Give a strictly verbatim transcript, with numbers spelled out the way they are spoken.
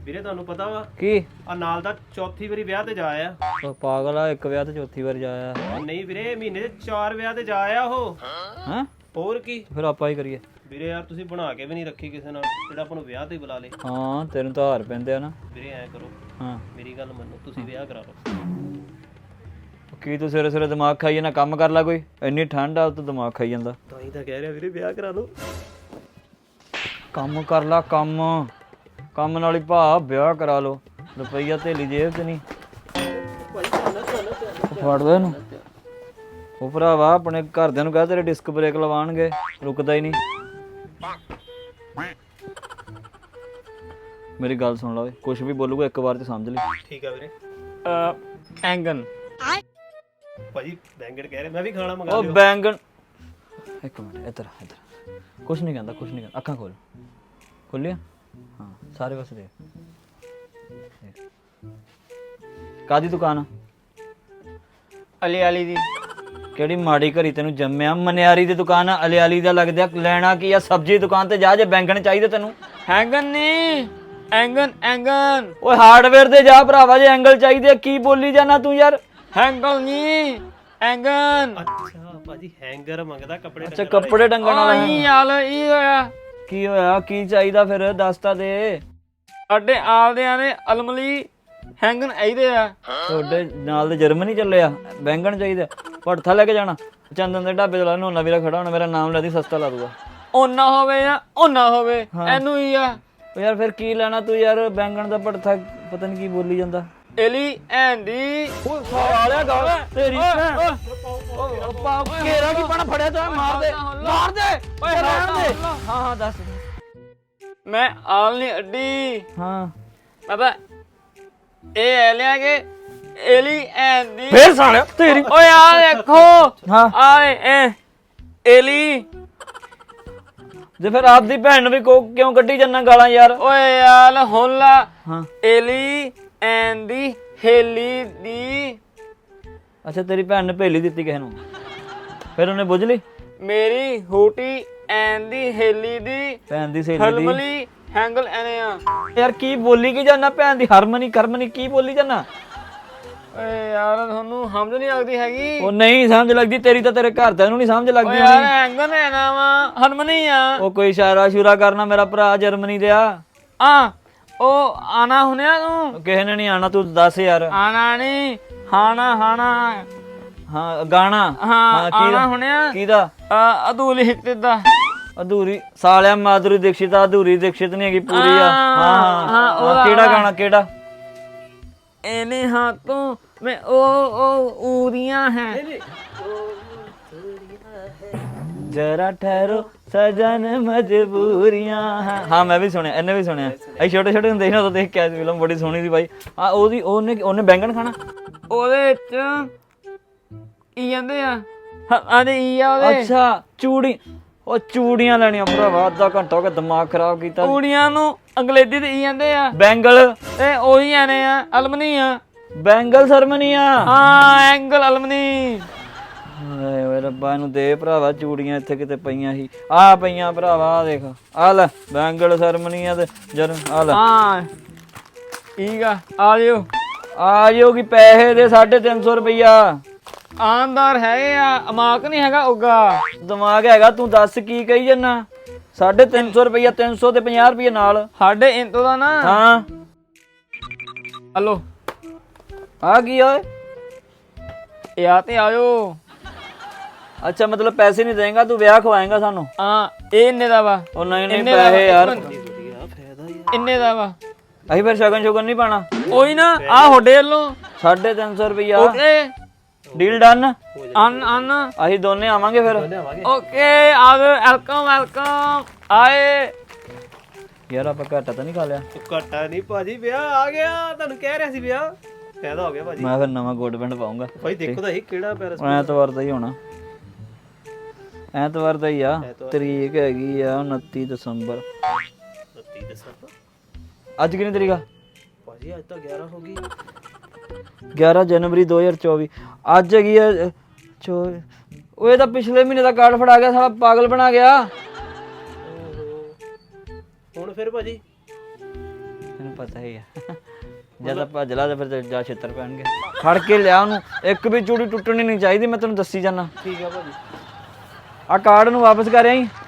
ਵੀਰੇ ਤੁਹਾਨੂੰ ਪਤਾ ਵਾ ਕੀ ਆ ਨਾਲ ਦਾ ਚੌਥੀ ਵਾਰੀ ਵਿਆਹ ਤੇ ਜਾ ਆ। ਉਹ ਪਾਗਲ ਆ, ਇੱਕ ਵਿਆਹ ਤੇ ਚੌਥੀ ਵਾਰ ਜਾਇਆ। ਨਹੀਂ ਵੀਰੇ ਮਹੀਨੇ ਦੇ ਚਾਰ ਵਿਆਹ ਤੇ ਜਾ ਆ ਉਹ। ਹਾਂ ਹੋਰ ਕੀ ਫਿਰ ਆਪਾਂ ਹੀ ਕਰੀਏ। ਵੀਰੇ ਯਾਰ ਤੁਸੀਂ ਬਣਾ ਕੇ ਵੀ ਨਹੀਂ ਰੱਖੀ ਕਿਸੇ ਨਾਲ ਜਿਹੜਾ ਆਪਾਂ ਨੂੰ ਵਿਆਹ ਤੇ ਬੁਲਾ ਲੇ। ਹਾਂ ਤੈਨੂੰ ਤਾਂ ਹਾਰ ਪੈਂਦੇ ਆ ਨਾ। ਵੀਰੇ ਐ ਕਰੋ, ਹਾਂ ਮੇਰੀ ਗੱਲ ਮੰਨੋ, ਤੁਸੀਂ ਵਿਆਹ ਕਰਾ ਲਓ। ਕੀ ਤੂੰ ਸਵੇਰੇ ਸਵੇਰੇ ਦਿਮਾਗ ਖਾਈ ਜਾਂਦਾ? ਕੰਮ ਕਰ ਲੈ ਕੋਈ, ਇੰਨੀ ਠੰਡ ਆ ਤੂੰ ਦਿਮਾਗ ਖਾਈ ਜਾਂਦਾ। ਤਾਂ ਹੀ ਤਾਂ ਕਹਿ ਰਿਹਾ ਵੀਰੇ ਵਿਆਹ ਕਰਾ ਲਓ। ਕੰਮ ਕਰ ਲਾ, ਕੰਮ ਕੰਮ ਨਾਲ ਹੀ ਭਾ ਵਿਆਹ ਕਰਾ ਲੋ। ਰੁਪਈਆ ਥੇਲੀ ਜੇਬ ਚ ਨਹੀਂ। ਫੜ ਲੈ ਇਹਨੂੰ। ਉਹ ਭਰਾਵਾ ਆਪਣੇ ਘਰਦਿਆਂ ਨੂੰ ਕਹਿ ਤੇਰੇ ਡਿਸਕ ਬ੍ਰੇਕ ਲਵਾਉਣਗੇ, ਰੁਕਦਾ ਹੀ ਨਹੀਂ। ਮੇਰੀ ਗੱਲ ਸੁਣ ਲਾ ਓਏ, ਕੁਛ ਵੀ ਬੋਲੂਗਾ ਇੱਕ ਵਾਰ ਤੇ ਸਮਝ ਲਈ। ਠੀਕ ਆ ਵੀਰੇ। ਐਂਗਨ ਭਾਜੀ ਬੈਂਗਣ ਕਹਿ ਰਹੇ, ਮੈਂ ਵੀ ਖਾਣਾ ਮੰਗਾ ਉਹ ਲਿਓ। ਬੈਂਗਣ ਇੱਕ ਮਿੰਟ, ਇੱਧਰ ਇੱਧਰ। ਕੁਛ ਨਹੀਂ ਕਹਿੰਦਾ, ਕੁਛ ਨਹੀਂ ਕਹਿੰਦਾ। ਅੱਖਾਂ ਖੋਲ, ਖੋਲੀਆਂ? ਹਾਂ ਸਾਰੇ ਪਾਸੇ ਦੇਖ। ਕਾਦੀ ਦੁਕਾਨ ਆ? ਅਲੀ ਅਲੀ ਦੀ। ਕਿਹੜੀ ਮਾੜੀ ਘਰੀ ਤੈਨੂੰ ਜੰਮਿਆ? ਮਨਿਆਰੀ ਦੀ ਦੁਕਾਨ ਆ, ਅਲੇ ਅਲੀ ਦਾ ਲੱਗਦਾ। ਲੈਣਾ ਕੀ ਆ? ਸਬਜ਼ੀ ਦੁਕਾਨ ਤੇ ਜਾ, ਜੇ ਬੈਂਗਣ ਚਾਹੀਦੇ ਤੈਨੂੰ। ਹੈਂਗਨ ਨਹੀਂ, ਐਂਗਨ ਐਂਗਨ। ਓਏ ਹਾਰਡਵੇਅਰ ਤੇ ਜਾ ਭਰਾਵਾ, ਜੇ ਐਂਗਲ ਚਾਹੀਦੇ। ਕੀ ਬੋਲੀ ਜਾਣਾ ਤੂੰ ਯਾਰ? ਹੈਂਗਲ ਨਹੀਂ, ਐਂਗਨ। ਅੱਛਾ ਭਾਜੀ ਹੈਂਗਰ ਮੰਗਦਾ ਕੱਪੜੇ ਅੱਛਾ ਕੱਪੜੇ ਟੰਗਣ ਵਾਲਾ। ਆਈ ਹਾਲ ਇਹ ਹੋਇਆ। ਕੀ ਹੋਇਆ? ਕੀ ਚਾਹੀਦਾ ਫਿਰ? ਦੱਸ ਤਾਂ ਦੇ। ਸਾਡੇ ਆਲਦਿਆਂ ਨੇ ਅਲਮਲੀ ਹੈਂਗਨ ਆਈਦੇ ਆ। ਤੁਹਾਡੇ ਨਾਲ ਦੇ ਜਰਮਨੀ ਚੱਲੇ ਆ, ਬੈਂਗਣ ਚਾਹੀਦਾ। ਭੜਥਾ ਲੈ ਕੇ ਜਾਣਾ? ਚੰਦਨ ਦੇ ਢਾਬੇ ਤੋਂ ਲਾ, ਨੋਨਾ ਵੀਰਾ ਖੜਾ ਹੋਣਾ, ਮੇਰਾ ਨਾਮ ਲੈ ਦੀ, ਸਸਤਾ ਲਾ ਦੂਗਾ। ਓਨਾ ਹੋਵੇ ਜਾਂ ਓਨਾ ਹੋਵੇ, ਇਹਨੂੰ ਹੀ ਆ। ਓ ਯਾਰ ਫਿਰ ਕੀ ਲੈਣਾ ਤੂੰ ਯਾਰ? ਬੈਂਗਣ ਦਾ ਭੜਥਾ ਪਤਾ ਨਹੀਂ ਕੀ ਬੋਲੀ ਜਾਂਦਾ। ਐਲੀ ਐਂਡੀ। ਓਏ ਸਾਲਿਆ ਗੱਲ ਤੇਰੀ ਭੈਣ। ਓ ਪਾ ਘੇਰਾ ਕੀ ਪਾਣਾ ਫੜਿਆ ਤਾ? ਮਾਰ ਦੇ, ਮਾਰ ਦੇ। ਓਏ ਰਹਿਣ ਦੇ। ਹਾਂ ਹਾਂ ਦੱਸ। ਮੈਂ ਆਲ ਨਹੀਂ ਅੱਡੀ। ਹਾਂ ਬਾਬਾ ਇਹ ਐ ਲਿਆ ਕੇ ਐਲੀ ਐਂਡੀ। ਫੇਰ ਸਾਲਿਆ ਤੇਰੀ। ਓਏ ਆ ਦੇਖੋ। ਹਾਂ ਆਏ ਐ ਐਲੀ। ਜੇ ਫਿਰ ਆਪਦੀ ਭੈਣ ਨੂੰ ਵੀ ਕੋ ਕਿਉਂ ਕੱਢੀ ਜੰਨਾ ਗਾਲਾਂ ਯਾਰ? ਓਏ ਯਾਰ ਹੋਲਾ। ਹਾਂ ਐਲੀ ਐਂਡੀ ਹੇਲੀ ਦੀ। ਅੱਛਾ ਤੇਰੀ ਭੈਣ ਨੇ ਭੇਲੀ ਦਿੱਤੀ ਕਿਸੇ ਨੂੰ, ਫਿਰ ਉਹਨੇ ਬੁੱਝ ਲਈ? ਮੇਰੀ ਹੂਟੀ ਐਂਡੀ ਹੇਲੀ ਦੀ ਭੈਣ ਦੀ ਸਹੇਲੀ ਦੀ। ਹਲਮਲੀ ਹੈਂਗਲ ਐਨੇ ਆ। ਯਾਰ ਕੀ ਬੋਲੀ ਕੀ ਜਾਨਾ? ਭੈਣ ਦੀ ਹਰਮਨੀ ਕਰਮਨੀ ਕੀ ਬੋਲੀ ਜਾਨਾ? ਓਏ ਯਾਰ ਤੁਹਾਨੂੰ ਸਮਝ ਨਹੀਂ ਲੱਗਦੀ ਹੈਗੀ। ਉਹ ਨਹੀਂ ਸਮਝ ਲੱਗਦੀ ਤੇਰੀ, ਤਾਂ ਤੇਰੇ ਘਰਦਿਆਂ ਨੂੰ ਨਹੀਂ ਸਮਝ ਲੱਗਦੀ ਓਏ ਯਾਰ ਹੋਣੀ। ਹੈਂਗਲ ਐਨਾ ਵਾ ਹਰਮਨੀ ਆ। ਉਹ ਕੋਈ ਇਸ਼ਾਰਾ ਸ਼ੂਰਾ ਕਰਨਾ, ਮੇਰਾ ਭਰਾ ਜਰਮਨੀ ਦੇ ਆ। ਆ ਉਹ ਆਣਾ ਹੁਣਿਆ ਤੂੰ? ਕਿਸੇ ਨੇ ਨਹੀਂ ਆਣਾ, ਤੂੰ ਦੱਸ ਯਾਰ। ਆਣਾ ਨਹੀਂ, ਹਾਣਾ ਹਾਣਾ। ਹਾਂ ਗਾਣਾ। ਹਾਂ ਆਣਾ ਹੁਣਿਆ। ਕਿਹਦਾ? ਅਦੂਲੀ ਹਿੱਤੇ ਦਾ। ਅਧੂਰੀ ਸਾਲਿਆ ਮਾਧੁਰੀ ਦੀਕਸ਼ਿਤ ਆ, ਅਧੂਰੀ ਦੀਕਸ਼ਿਤ ਨਹੀਂ ਹੈਗੀ, ਪੂਰੀ ਆ। ਹਾਂ ਹਾਂ ਉਹਦਾ- ਕਿਹੜਾ ਗਾਣਾ? ਕਿਹੜਾ? ਇਹਨੇ ਹੱਥੋਂ ਮੈਂ ਉਹ ਉਹ ਊਰੀਆਂ ਹੈ। ਜਰਾ ਠਹਿਰੋ ਸਜਨ ਮਜਬੂਰੀਆਂ। ਹਾਂ ਮੈਂ ਵੀ ਸੁਣਿਆ, ਇਹਨੇ ਵੀ ਸੁਣਿਆ। ਅਸੀਂ ਛੋਟੇ ਛੋਟੇ ਹੁੰਦੇ ਸੀ ਨਾ, ਉਦੋਂ ਦੇਖ ਕੇ ਆਏ ਸੀ ਫਿਲਮ, ਬੜੀ ਸੋਹਣੀ ਸੀ ਬਾਈ। ਆ ਉਹਦੀ ਉਹਨੇ ਉਹਨੇ ਬੈਂਗਣ ਖਾਣਾ। ਉਹਦੇ ਚ ਕੀ ਕਹਿੰਦੇ ਆ? ਆਦੇ ਈ ਆ ਉਹਦੇ। ਅੱਛਾ ਚੂੜੀ। ਉਹ ਚੂੜੀਆਂ ਲੈਣੀਆਂ ਭਰਾਵਾ, ਅੱਧਾ ਘੰਟਾ ਹੋ ਗਿਆ ਦਿਮਾਗ ਖਰਾਬ ਕੀਤਾ। ਚੂੜੀਆਂ ਨੂੰ ਅੰਗਰੇਜ਼ੀ ਤੇ ਈ ਕਹਿੰਦੇ ਆ। ਬੈਂਗਲ। ਤੇ ਉਹੀ ਆਨੇ ਆ ਅਲਮਨੀ ਆ। ਬੈਂਗਲ ਸਰਮਨੀ ਆ। ਹਾਂ ਐਂਗਲ ਅਲਮਨੀ। ਹਾਏ ਓਏ ਰੱਬਾ, ਇਹਨੂੰ ਦੇ ਭਰਾਵਾ ਚੂੜੀਆਂ, ਇੱਥੇ ਕਿਤੇ ਪਈਆਂ ਸੀ। ਆ ਪਈਆਂ ਭਰਾਵਾ, ਆ ਦੇਖ ਆ ਲੈ ਬੈਂਗਲ ਸਰਮਨੀ ਆ ਤੇ ਜਰ ਆ ਲੈ। ਹਾਂ ਠੀਕ ਆ, ਆ ਜਿਓ। ਆ ਜਿਓ ਕਿ ਪੈਸੇ ਦੇ ਸਾਢੇ ਤਿੰਨ ਸੌ ਰੁਪਈਆ। ਆਨਦਾਰ ਹੈਗੇ ਆ, ਅਮਾਕ ਨਹੀਂ ਹੈਗਾ ਉਗਾ। ਦਿਮਾਗ ਹੈਗਾ? ਤੂੰ ਦੱਸ ਕੀ ਕਹੀ ਜੰਨਾ? ਸਾਢੇ ਤਿੰਨ ਸੌ ਰੁਪਈਆ, ਤਿੰਨ ਸੌ ਤੇ ਪੰਜਾਹ ਰੁਪਈਏ ਨਾਲ। ਸਾਡੇ ਇੰਤੋ ਦਾ ਨਾ। ਹਾਂ ਹਲੋ ਆ ਕੀ ਓਏ? ਇਹ ਆ ਤੇ ਆਇਓ। ਅੱਛਾ ਮਤਲਬ ਪੈਸੇ ਨਹੀਂ ਦੇਂਗਾ ਤੂੰ, ਵਿਆਹ ਖਵਾਏਂਗਾ ਸਾਨੂੰ? ਹਾਂ ਇਹ ਇੰਨੇ ਦਾ ਵਾ। ਉਹ ਨਹੀਂ ਨਹੀਂ ਪੈਸੇ ਯਾਰ। ਇੰਨੇ ਦਾ ਵਾ। ਅਸੀਂ ਫਿਰ ਸ਼ਗਨ ਸ਼ੁਗਨ ਨਹੀਂ ਪਾਣਾ? ਉਹੀ ਨਾ ਆ ਹੋਡੇ ਵੱਲੋਂ ਸਾਢੇ ਤਿੰਨ ਸੌ ਰੁਪਈਆ। Okay deal done. ਅਨ ਅਨ ਅਸੀਂ ਦੋਨੇ ਆਵਾਂਗੇ ਫਿਰ। ਓਕੇ ਆ ਗਏ। ਵੈਲਕਮ ਵੈਲਕਮ ਆਏ। ਯਾਰ ਆਪਾਂ ਘਾਟਾ ਤਾਂ ਨਹੀਂ ਖਾ ਲਿਆ? ਘਾਟਾ ਨਹੀਂ ਭਾਜੀ, ਵਿਆਹ ਆ ਗਿਆ। ਤੁਹਾਨੂੰ ਕਹਿ ਰਿਹਾ ਸੀ ਵਿਆਹ ਫਾਇਦਾ ਹੋ ਗਿਆ ਭਾਜੀ। ਮੈਂ ਫਿਰ ਨਵਾਂ ਕੋਟ ਪੈਂਟ ਪਾਉਂਗਾ ਭਾਈ ਦੇਖੋ ਤਾਂ ਇਹ ਕਿਹੜਾ ਪੈਰਸ। ਐਤਵਾਰ ਦਾ ਹੀ ਹੋਣਾ, ਐਤਵਾਰ ਦਾ ਹੀ ਆ। ਤਰੀਕ ਹੈਗੀ ਆ ਉਨੱਤੀ ਦਸੰਬਰ। ਉਨੱਤੀ ਦਸੰਬਰ। ਅੱਜ ਕਿੰਨੀ ਤਰੀਕ ਆ ਭਾਜੀ? ਅੱਜ ਤਾਂ ਗਿਆਰਾਂ ਹੋ ਗਈ। ਗਿਆਰਾਂ ਜਨਵਰੀ ਦੋ ਹਜ਼ਾਰ ਚੌਵੀ। ਅੱਜ ਹੈਗੀ ਆ ਚੋ। ਉਹ ਇਹ ਤਾਂ ਪਿਛਲੇ ਮਹੀਨੇ ਦਾ ਕਾਰਡ ਫੜਾ ਗਿਆ, ਸਾਲਾ ਪਾਗਲ ਬਣਾ ਗਿਆ। ਹੁਣ ਫਿਰ ਭਾਜੀ ਪਤਾ ਹੀ ਆ ਜਦ ਭੱਜ ਲਾ ਤੇ ਫਿਰ ਜਾ ਛਿੱਤਰ ਪੈਣਗੇ। ਫੜ ਕੇ ਲਿਆ ਉਹਨੂੰ, ਇੱਕ ਵੀ ਚੂੜੀ ਟੁੱਟਣੀ ਨਹੀਂ ਚਾਹੀਦੀ, ਮੈਂ ਤੈਨੂੰ ਦੱਸੀ ਜਾਣਾ। ਠੀਕ ਆ ਭਾਜੀ। ਆ ਕਾਰਡ ਨੂੰ ਵਾਪਸ ਕਰ ਆਈ।